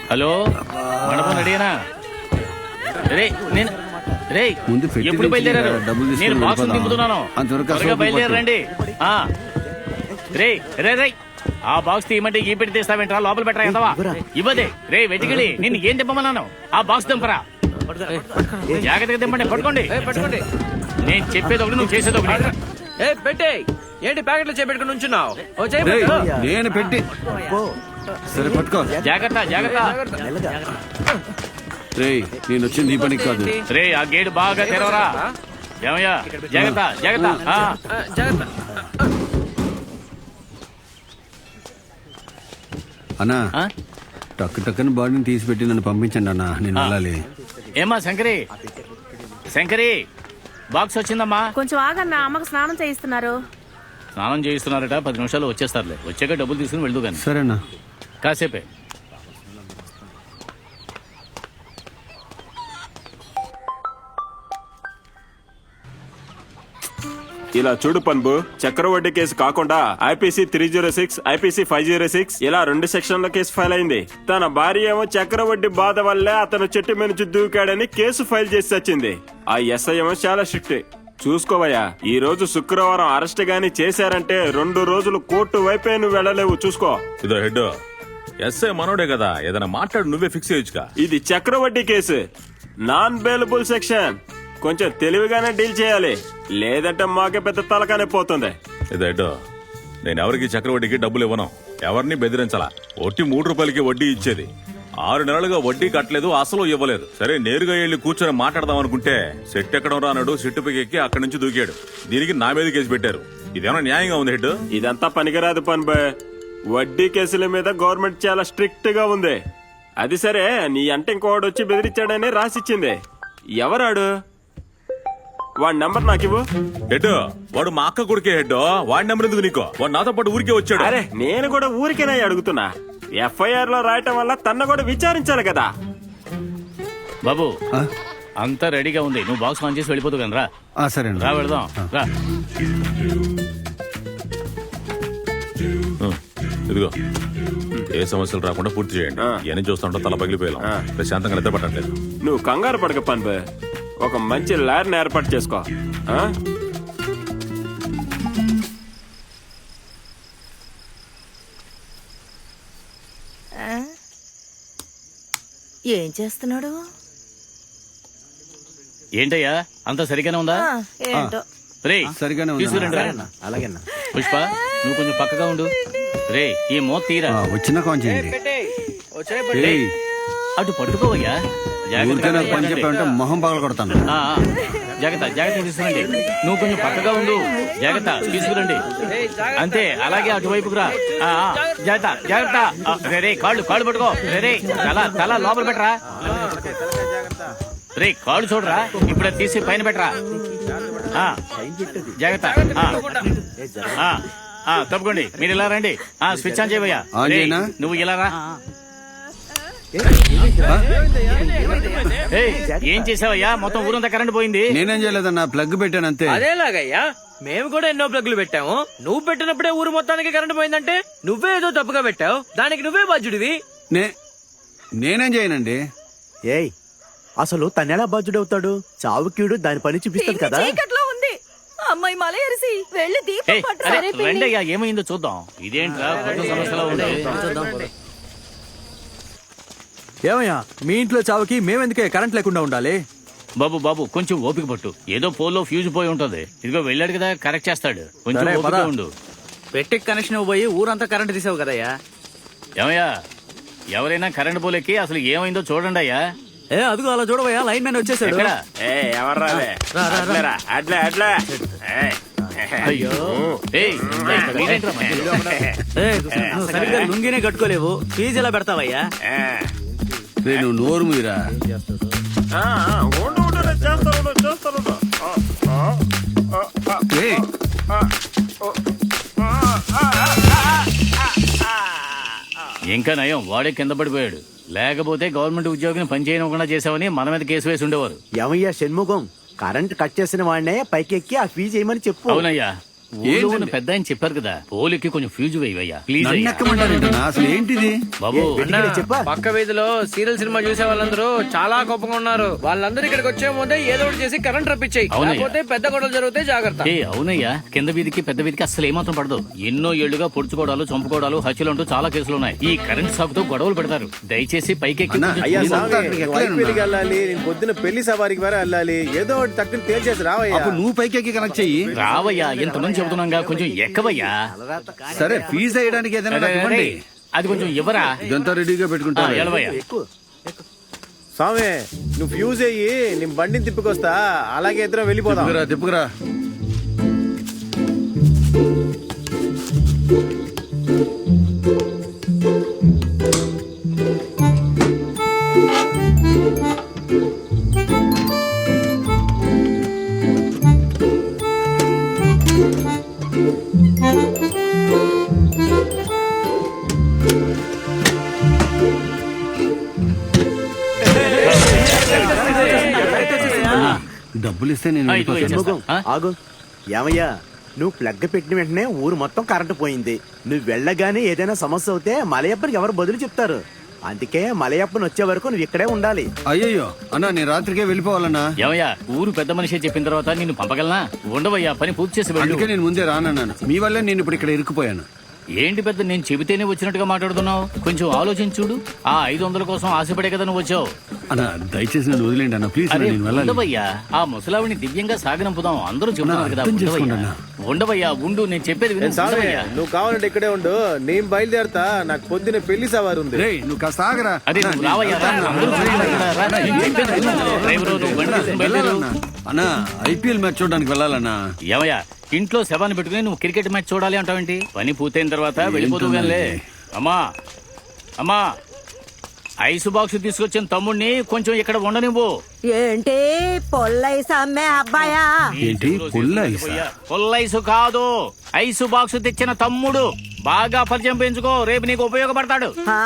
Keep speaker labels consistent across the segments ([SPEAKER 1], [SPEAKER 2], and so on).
[SPEAKER 1] Hello మండపం రెడీనా? రే నేను రే ఎప్పుడు బయలుదేరారు? నేను బాక్స్ దింపుతున్నాను, త్వరగా బయలుదేరండి. రే రే రే ఆ బాక్స్ తీయమంటే ఈ పెట్టి తీస్తావేంట్రా? లోపల పెట్టరా ఎంతవా ఇవ్వదే. రే వెతికిలి నిన్ను ఏం దింపమన్నాను? ఆ బాక్స్ దింపరా. జాగ్రత్తగా దింపండి. పట్టుకోండి పట్టుకోండి. నేను చెప్పేది ఒకటి, నువ్వు చేసేది ఒకటి.
[SPEAKER 2] పెట్టే ఏంటి ప్యాకెట్లు చేపెట్టుకుని ఉంచున్నావు?
[SPEAKER 3] నేను పెట్టి సరే పట్టుకో.
[SPEAKER 1] జాగ్రత్త జాగ్రత్త.
[SPEAKER 3] రేయ్ నేను వచ్చింది ఈ పనికి కాదు.
[SPEAKER 1] రే ఆ గేట్ బాగా తెరవరా. ఏమయ్యా జాగ్రత్త జాగ్రత్త
[SPEAKER 2] జాగ్రత్త.
[SPEAKER 3] అన్నా టక్కు టక్కున బాడీని తీసి పెట్టి నన్ను పంపించండి అన్నా, నేను వెళ్ళాలి.
[SPEAKER 1] ఏమా శంకరి శంకరి బాక్స్ వచ్చిందమ్మా.
[SPEAKER 4] కొంచెం ఆగన్నా, అమ్మకు స్నానం చేయిస్తున్నారు.
[SPEAKER 1] స్నానం చేయిస్తున్నారట, 10 నిమిషాలు వచ్చేస్తారులే. వచ్చాక డబ్బులు తీసుకుని వెళ్దు కానీ.
[SPEAKER 3] సరేనా?
[SPEAKER 1] కాసేపే.
[SPEAKER 5] ఇలా చూడు పన్బు, చక్రవడ్డీ కేసు కాకుండా ఐపీసీ 306, ఐపీసీ 506 ఇలా 2 సెక్షన్ల కేసు ఫైల్ అయింది. తన భార్య ఏమో చక్రవడ్డీ బాధ వల్లే అతను చెట్టు మీద నుంచి దూకాడని కేసు ఫైల్ చేసి వచ్చింది. ఆ ఎస్ఐ ఏమో చాలా స్ట్రిక్ట్. చూసుకోవయ్యా, ఈ రోజు శుక్రవారం అరెస్ట్ గాని చేశారంటే 2 రోజులు కోర్టు వైపే నువ్వు వెళ్ళలేవు. చూసుకో.
[SPEAKER 6] ఇదో హెడ్ ఎస్ఐ మనోడే కదా, ఏదైనా మాట్లాడు, నువ్వే ఫిక్స్ చేయొచ్చుగా.
[SPEAKER 5] ఇది చక్రవడ్డీ కేసు, నాన్ బెయిలబుల్ సెక్షన్. కొంచెం తెలివిగానే డీల్ చేయాలి, లేదంటే మాకే పెద్ద తలకానే పోతుంది.
[SPEAKER 6] ఇదో హెడ్, నేను ఎవరికి చక్రవడ్డీకి డబ్బులు ఇవ్వను, ఎవరిని బెదిరించాలా. ఒట్టి 3 రూపాయలకి వడ్డీ ఇచ్చేది. 6 నెలలుగా వడ్డీ కట్టలేదు, అసలు ఇవ్వలేదు. సరే నేరుగా వెళ్ళి కూర్చొని మాట్లాడదాం అనుకుంటే సెట్ ఎక్కడం రానాడు, సెట్టుపైకి ఎక్కి అక్కడి నుంచి దూకాడు. దీనికి నా మీద కేసు పెట్టారు. ఇదేమన్నా న్యాయంగా ఉంది హెడ్?
[SPEAKER 5] ఇదంతా పనికిరాదు పన్బే. వడ్డీ కేసుల మీద గవర్నమెంట్ చాలా స్ట్రిక్ట్ గా ఉంది. అది సరే, నీ అంటే ఇంకోడు వచ్చి బెదిరించాడని రాసిచ్చింది. ఎవరాడు? వాడి నంబర్ నాకివ్వు.
[SPEAKER 6] హెడ్ వాడు మా అక్క కొడుకే హెడ్, వాడి నెంబర్ ఎందుకు నీకో? వాడు నాతో పాటు ఊరికే వచ్చాడు.
[SPEAKER 5] అరే నేను కూడా ఊరికేనా అడుగుతున్నా. ఎఫ్ఐఆర్ లో రాయటం వల్ల తన కూడా విచారించాలి కదా.
[SPEAKER 1] బాబు అంతా రెడీగా ఉంది, నువ్వు బాక్స్ ఆన్ చేసి వెళ్ళిపోతు కానీ రా.
[SPEAKER 3] సరే
[SPEAKER 1] రా వెళదాం రా.
[SPEAKER 6] ఇదిగో ఏ సమస్యలు రాకుండా పూర్తి చేయండి. ఇవన్నీ చూస్తుంటా తల పగిలిపోయాం, ప్రశాంతంగా నిద్ర పట్టట్లేదు.
[SPEAKER 5] నువ్వు కంగారు పడక పన్బే, ఒక మంచి లాయర్ని ఏర్పాటు చేసుకో.
[SPEAKER 4] ఏం చేస్తున్నాడు?
[SPEAKER 1] ఏంటయ్యా అంతా సరిగానే ఉందా?
[SPEAKER 4] ఏంటో
[SPEAKER 1] రే
[SPEAKER 3] సరిగానే
[SPEAKER 1] తీసుకురండి.
[SPEAKER 3] అలాగే
[SPEAKER 1] పుష్ప నువ్వు కొంచెం పక్కగా ఉండు. రే ఈ మోత తీరా.
[SPEAKER 3] వచ్చిన కొంచెం
[SPEAKER 1] అటు పట్టుకోవయ్యా.
[SPEAKER 3] పని చెప్పామంటే మొహం పగల కొడతాను.
[SPEAKER 1] జాగ్రత్త జాగ్రత్త తీసుకురండి. నువ్వు కొంచెం పక్కగా ఉండు. జాగ్రత్త తీసుకురండి. అంతే అలాగే అటువైపుకు రా. జాగ్రత్త జాగ్రత్త. రే కాళ్ళు పట్టుకో. రే తల తల లోపల పెట్టరా. రే కాళ్ళు చూడరా, ఇప్పుడే తీసి పైన పెట్టరా. జాగ్రత్త. తప్పుకోండి, మీరు ఇలా రండి. స్విచ్ ఆన్ చేయవయ్యా. నువ్వు ఇలా రా. ఏం చేసావయ్యా? మొత్తం ఊరంతా కరెంట్ పోయింది.
[SPEAKER 3] నేనేం చేయలేదన్నా, ప్లగ్ పెట్టాను అంతే.
[SPEAKER 2] అదేలాగయ్యా, మేము కూడా ఎన్నో ప్లగ్లు పెట్టాము. నువ్వు పెట్టినప్పుడే ఊరు మొత్తానికి కరెంట్ పోయిందంటే నువ్వే ఏదో తప్పుగా పెట్టావు, దానికి నువ్వే బాధ్యుడివి.
[SPEAKER 3] నేనేం చేయనండి.
[SPEAKER 7] ఏయ్ అసలు తనెలా బాధ్యుడవుతాడు? చావుకీడు దాని పని చూపిస్తాడు కదా.
[SPEAKER 4] అమ్మాయి మల ఎరిసి వెళ్ళి దీపం పట్టు.
[SPEAKER 1] రండయ్యా, ఏమైందో చూద్దాం. ఇదేంట్రా కొత్త సమస్యలో ఉంది.
[SPEAKER 7] ఏమయ్యా మీ ఇంట్లో చావుకి మేమెందుకే కరెంట్ లేకుండా ఉండాలి?
[SPEAKER 1] బాబు కొంచెం ఓపిక పట్టు. ఏదో పోల్లో ఫ్యూజ్ పోయి ఉంటది. ఇదిగో వెళ్ళాడు కదా, కరెక్ట్ చేస్తాడు. కొంచెం ఓపిక ఉండు.
[SPEAKER 2] పెట్టి కనెక్షన్ పోయి ఊరంతా కరెంట్ తీసావు కదయ్యా.
[SPEAKER 1] ఏమయ్యా, ఎవరైనా కరెంట్ పోలేకి అసలు ఏమైందో చూడండి అయ్యా.
[SPEAKER 7] అదిగో అలా చూడవయ్యా, లైన్ మ్యాన్ వచ్చేసాడు.
[SPEAKER 1] అయ్యో
[SPEAKER 2] సరిగ్గా లుంగినే కట్టుకోలేవు, ఫీజు ఎలా పెడతావయ్యా?
[SPEAKER 3] నువ్వు నోరు మీరా.
[SPEAKER 1] ఇంకా నయం, వాడే కింద పడిపోయాడు. లేకపోతే గవర్నమెంట్ ఉద్యోగిని పనిచేయకుండా చేసావని మన మీద కేసు వేసి ఉండేవారు.
[SPEAKER 7] ఏమయ్యా షణ్ముఖం, కరెంట్ కట్ చేసిన వాడినే పైకి ఎక్కి ఆ ఫీజు చేయమని చెప్పు.
[SPEAKER 1] అవునయ్యా,
[SPEAKER 7] అవునయ్యా,
[SPEAKER 1] సరే. ఊళ్ళో ఉన్న పెద్ద ఆయన చెప్పారు కదా పోలికి కొంచెం ఫ్యూజ్ వేయవయ్యా ప్లీజ్
[SPEAKER 3] నన్ను
[SPEAKER 1] అయ్యా.
[SPEAKER 3] ఎక్కమంటారేంటన్నా? అసలు ఏంటిది?
[SPEAKER 1] బాబు
[SPEAKER 2] అన్నా, పక్క వీధిలో సీరియల్ సినిమా చూసే వాళ్ళందరూ చాలా కోపంగా ఉన్నారు. వాళ్ళందరూ ఇక్కడికి వచ్చే ముందే ఏదో ఒకటి చేసి కరెంట్ రప్పించాయి.
[SPEAKER 1] అవునయ్య.
[SPEAKER 2] లేకపోతే పెద్ద గొడవలు జరిగితే జాగ్రత్త.
[SPEAKER 1] ఏ అవునయ్యా, కింద వీధికి పెద్ద వీధికి అసలు ఏమాత్రం పడదు. ఎన్నో ఏళ్లుగా పొడుచుకోవడాలు చంపుకోవడాలు హత్యలు అంటూ చాలా కేసులు ఉన్నాయి. ఈ కరెంట్ సాకుతో గొడవలు పెడతారు. దయచేసి పైకెక్కి
[SPEAKER 3] అన్నా,
[SPEAKER 1] కొంచెం
[SPEAKER 3] అయ్యా,
[SPEAKER 1] చూడు.
[SPEAKER 3] సామి, అక్కడికి ఎక్కలేనన్నా.
[SPEAKER 8] పెళ్లికి వెళ్ళాలి, నేను పొద్దున పెళ్లి సవారికి వరే వెళ్ళాలి. ఏదో ఒకటి తక్కువ తేల్చేసి రావయ్యా.
[SPEAKER 3] అప్పుడు నువ్వు పైకి కనెక్ట్ చెయ్యి.
[SPEAKER 1] రావయ్యా, ఎంతమంది చెబుతున్నాగా కొంచెం ఎక్కవయ్యా.
[SPEAKER 3] సరే, ఫీజు వేయడానికి ఏదైనా నాకు ఇవ్వండి.
[SPEAKER 1] అది కొంచెం ఇవ్వరా.
[SPEAKER 3] ఇదంతా రెడీగా పెట్టుకుంటా.
[SPEAKER 1] ఎలవయ్యా.
[SPEAKER 8] స్వామి నువ్వు ఫ్యూజ్ అయ్యి నేను బండిని తిప్పుకొస్తా. అలాగే ఇద్దరం వెళ్ళిపోదాం.
[SPEAKER 3] తిప్పుకురా. డబ్బులు ఇస్తే నేను
[SPEAKER 1] ఇదిగో
[SPEAKER 3] వెళ్ళిపోతాను.
[SPEAKER 1] ఇచ్చేస్తా.
[SPEAKER 7] షణ్ముఖం, ఆగు. ఏమయ్యా, నువ్వు ప్లగ్ పెట్టిన వెంటనే ఊరు మొత్తం కరెంటు పోయింది. నువ్వు వెళ్ళగానే ఏదైనా సమస్య అవుతే మలయప్పనికి ఎవరు బదులు చెప్తారు? అందుకే మలయప్పని వచ్చే వరకు నువ్వు ఇక్కడే ఉండాలి.
[SPEAKER 3] అయ్యయ్యో అన్నా, నేను రాత్రికే వెళ్ళిపోవాలన్నా.
[SPEAKER 1] ఏమయ్యా, ఊరు పెద్ద మనిషి చెప్పిన తర్వాత నిన్ను పంపగలనా? ఉండవయ్యా, పని పూర్తి చేసి వెళ్ళు.
[SPEAKER 3] అందుకే నేను ముందే రానన్నాను. మీ వల్లే నేను ఇప్పుడు ఇక్కడ ఇరుక్కుపోయాను.
[SPEAKER 1] ఏంటి పెద్ద, నేను చెబితేనే వచ్చినట్టుగా మాట్లాడుతున్నావు? కొంచెం ఆలోచించి చూడు. ఆ 500 కోసం ఆశపడే కదా నువ్వు వచ్చావు.
[SPEAKER 3] అన్నా, దయచేసి నన్ను వదిలేండి అన్న, ప్లీజ్.
[SPEAKER 1] అరే
[SPEAKER 3] నేను వెళ్ళాలి.
[SPEAKER 1] ఉండవయ్యా, ఆ ముసలావిని దివ్యంగా సాగనంపుదాం. అందరూ చెబుతున్నారు కదా.
[SPEAKER 3] అర్థం
[SPEAKER 1] ఉండవయ్యా.
[SPEAKER 3] చేసుకోండి
[SPEAKER 1] ఉండవయ్యా, ఉండు, నేను చెప్పేది విను.
[SPEAKER 8] స్వామి
[SPEAKER 1] ఉండవయ్యా.
[SPEAKER 8] నువ్వు కావాలంటే ఇక్కడే ఉండు. నేను బయలుదేరతా. నాకు పొద్దున పెళ్లి సవారు ఉంది.
[SPEAKER 3] రేయ్, నువ్వు కాస్త ఆగరా.
[SPEAKER 1] అదే నువ్వు రావయ్యా, రా. అందరూ చూస్తున్నారు కదా. రా, నేను చెప్పేది విను. డ్రైవరు, నువ్వు బండి తీసుకుని బయలుదేరు.
[SPEAKER 3] అన్నా, ఐపీఎల్ మ్యాచ్ చూడడానికి వెళ్ళాలన్నా.
[SPEAKER 1] ఏమయ్యా, ఇంట్లో శవాన్ని పెట్టుకుని నువ్వు క్రికెట్ మ్యాచ్ చూడాలి అంటావేంటి? పని పూర్తయిన తర్వాత వెళ్ళిపోతూ గానిలే. అమ్మా అమ్మా, ఐస్ బాక్స్ తీసుకొచ్చిన తమ్ముడిని కొంచెం ఇక్కడ ఉండనివ్వు.
[SPEAKER 4] ఏంటి పొల్లైస్ అమ్మే అబ్బాయా?
[SPEAKER 3] ఏంటి పుల్ల ఐసా?
[SPEAKER 1] పుల్లైసు కాదు, ఐసు బాక్స్ తెచ్చిన తమ్ముడు. బాగా పరిచయం పెంచుకో, రేపు నీకు ఉపయోగపడతాడు.
[SPEAKER 4] ఆ,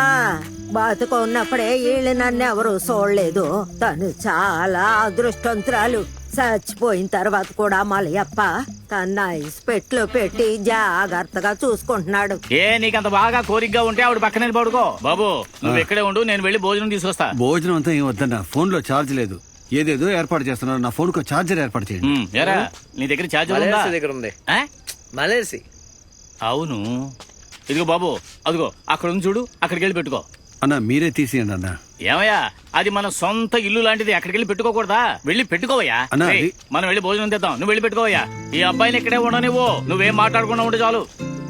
[SPEAKER 4] బతుకున్నప్పుడే వీళ్ళు నన్ను ఎవరు చూడలేదు. తను చాలా అదృష్టవంతురాలు. చచ్చిపోయిన తర్వాత కూడా మలయప్ప తన ఐస్ పెట్లో పెట్టి జాగ్రత్తగా చూసుకుంటున్నాడు.
[SPEAKER 1] ఏ నీకంత బాగా కోరికగా ఉంటే ఆవిడ పక్కనే పడుకో. బాబు నువ్వు ఇక్కడే ఉండు, నేను వెళ్ళి భోజనం తీసుకొస్తా.
[SPEAKER 3] భోజనం అంతా ఏం వద్దన్నా, ఫోన్ లో ఛార్జ్ లేదు. ఏదేదో ఏర్పాటు చేస్తున్నారు. నా ఫోన్ కు ఛార్జర్ ఏర్పాటు చేయండి.
[SPEAKER 1] ఎరా, నీ దగ్గర ఛార్జర్ ఉందా?
[SPEAKER 2] మలేసి దగ్గర ఉంది.
[SPEAKER 1] ఆ?
[SPEAKER 2] మలేసి.
[SPEAKER 1] అవును, ఇదిగో బాబు, అదిగో అక్కడ ఉంది చూడు, అక్కడికి వెళ్ళి పెట్టుకో.
[SPEAKER 3] అన్నా, మీరే తీసేయండి అన్నా.
[SPEAKER 1] ఏమయ్యా, అది మన సొంత ఇల్లు లాంటిది. అక్కడికి వెళ్ళి పెట్టుకోకూడదా? వెళ్ళి పెట్టుకోవయ్యా.
[SPEAKER 3] అన్నా,
[SPEAKER 1] ఏయ్,
[SPEAKER 3] అది-
[SPEAKER 1] మనం వెళ్ళి భోజనం తెద్దాం. నువ్వు వెళ్ళి పెట్టుకోవయ్యా. ఈ అబ్బాయిని ఇక్కడే ఉండనివ్వు. నువ్వేం మాట్లాడకుండా ఉంటే చాలు.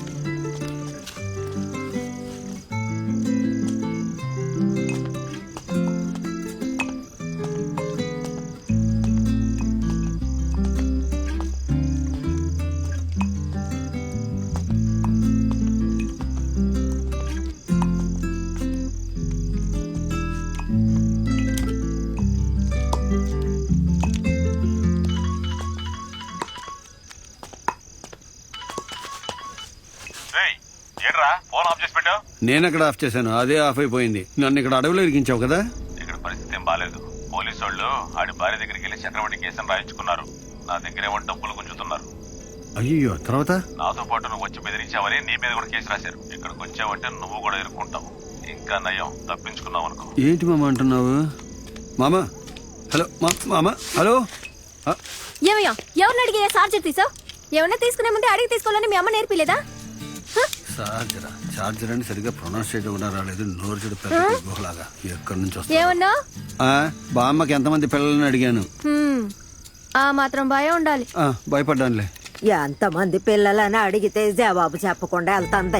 [SPEAKER 6] ఫోన్ ఆఫ్ చేసి పెట్టావు.
[SPEAKER 3] నేను ఎక్కడ ఆఫ్ చేశాను, అదే ఆఫ్ అయిపోయింది. నన్ను ఇక్కడ అడవిలో ఇరికించావు కదా.
[SPEAKER 6] ఇక్కడ పరిస్థితి ఏం బాలేదు. పోలీసు వాళ్ళు ఆడి భార్య దగ్గరికి వెళ్ళి చక్రవడ్డీ కేసును రాయించుకున్నారు. నా దగ్గరేమో డబ్బులు గుంజుతున్నారు.
[SPEAKER 3] అయ్యో, తర్వాత
[SPEAKER 6] నాతో పాటు నువ్వు వచ్చి బెదిరించావని నీ మీద కూడా కేసు రాశారు. ఇక్కడికి వచ్చావంటే నువ్వు కూడా ఇరుక్కుంటావు. ఇంకా నయం, తప్పించుకున్నావు అనుకో.
[SPEAKER 3] ఏంటి మామ అంటున్నావు? మామ, హలో మామ, హలో.
[SPEAKER 9] ఏమయ్యా, ఎవరిని అడిగి చార్జర్ తీసావు? ఏమన్నా తీసుకునే ముందే అడిగి తీసుకోవాలని మీ అమ్మ నేర్పిలేదా?
[SPEAKER 3] చార్జర్ అని సరిగ్గా ప్రొనౌన్స్ చేయడం కూడా రాలేదు. నోరు చెడు పెద్ద గుహలాగా. ఎక్కడి నుంచి వస్తా?
[SPEAKER 9] ఏమన్నా
[SPEAKER 3] బామ్మకి ఎంతమంది పిల్లలని అడిగాను.
[SPEAKER 9] ఆ మాత్రం భయం ఉండాలి.
[SPEAKER 3] భయపడ్డానులే.
[SPEAKER 4] ఎంతమంది పిల్లలని అడిగితే జవాబు చెప్పకుండా వెళ్తాంది.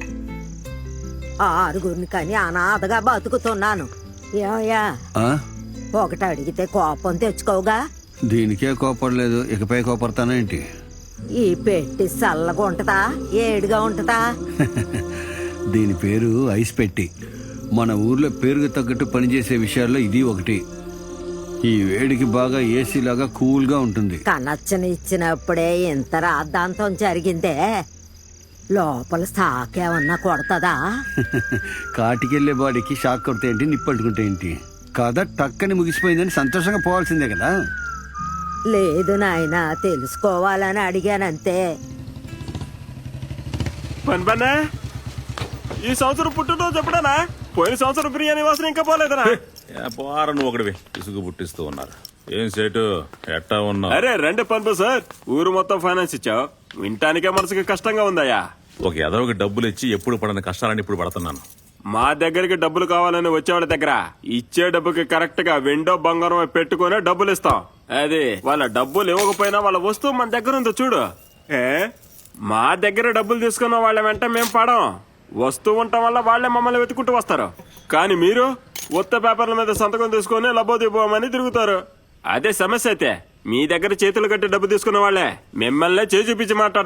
[SPEAKER 4] ఆరుగురిని కానీ అనాథగా బతుకుతున్నాను. ఏమయ్యా, ఒకటి అడిగితే కోపం తెచ్చుకోగా.
[SPEAKER 3] దీనికే కోపడలేదు, ఇకపై కోపడతానా ఏంటి?
[SPEAKER 4] ఈ పెట్టి చల్లగా ఉంటదా, ఏడుగా ఉంటదా?
[SPEAKER 3] దీని పేరు ఐస్ పెట్టి. మన ఊర్లో పేరుకు తగ్గట్టు పనిచేసే విషయాల్లో ఇది ఒకటి. ఈ వేడికి బాగా ఏసీ లాగా కూల్ గా ఉంటుంది.
[SPEAKER 4] కనచ్చని ఇచ్చినప్పుడే ఇంత రాద్ధాంతం జరిగిందే. లోపల సాకేమన్నా కొడతదా?
[SPEAKER 3] కాటికెళ్లే బాడీకి షాక్ కొడితే ఏంటి, నిప్పట్టుకుంటే ఏంటి? కథ టక్కని ముగిసిపోయిందని సంతోషంగా పోవాల్సిందే కదా.
[SPEAKER 4] లేదు నాయనా తెలుసుకోవాలని అడిగానంతే.
[SPEAKER 5] పన్బన్నా ఈ సంవత్సరం పుట్టినరోజు ఎప్పుడనా? పోయిన సంవత్సరం బిర్యానీ వాసన ఇంకా పోలేదనా?
[SPEAKER 6] పోరా నువ్వు ఒకటివి ఇసుగు పుట్టిస్తూ ఉన్నారు. ఏం సేటు ఎట్టా ఉన్నావు?
[SPEAKER 5] అరే రండి పన్బు సార్, ఊరు మొత్తం ఫైనాన్స్ ఇచ్చావు, వింటానికే మనసుకి కష్టంగా ఉందయ్యా.
[SPEAKER 6] ఒక ఎదవకి డబ్బులు ఇచ్చి ఎప్పుడు పడని కష్టాలని ఇప్పుడు పడుతున్నాను.
[SPEAKER 5] మా దగ్గరికి డబ్బులు కావాలని వచ్చేవాళ్ళ దగ్గర ఇచ్చే డబ్బుకి కరెక్ట్ గా వెండో బంగారం పెట్టుకునే డబ్బులు ఇస్తాం. అది వాళ్ళ డబ్బులు ఇవ్వకపోయినా వాళ్ళ వస్తువు మన దగ్గర ఉందో చూడు. మా దగ్గర డబ్బులు తీసుకున్న వాళ్ళ వెంట మేము పడం. వస్తువు ఉండటం వల్ల వాళ్లే మమ్మల్ని వెతుకుంటూ వస్తారు. కానీ మీరు ఉత్త పేపర్ల మీద సంతకం తీసుకుని లబోదిపోమని తిరుగుతారు. అదే సమస్య అయితే మీ దగ్గర చేతులు కట్టి డబ్బు తీసుకున్న వాళ్ళే మిమ్మల్ని చేయి చూపించి మాట్లాడతారు.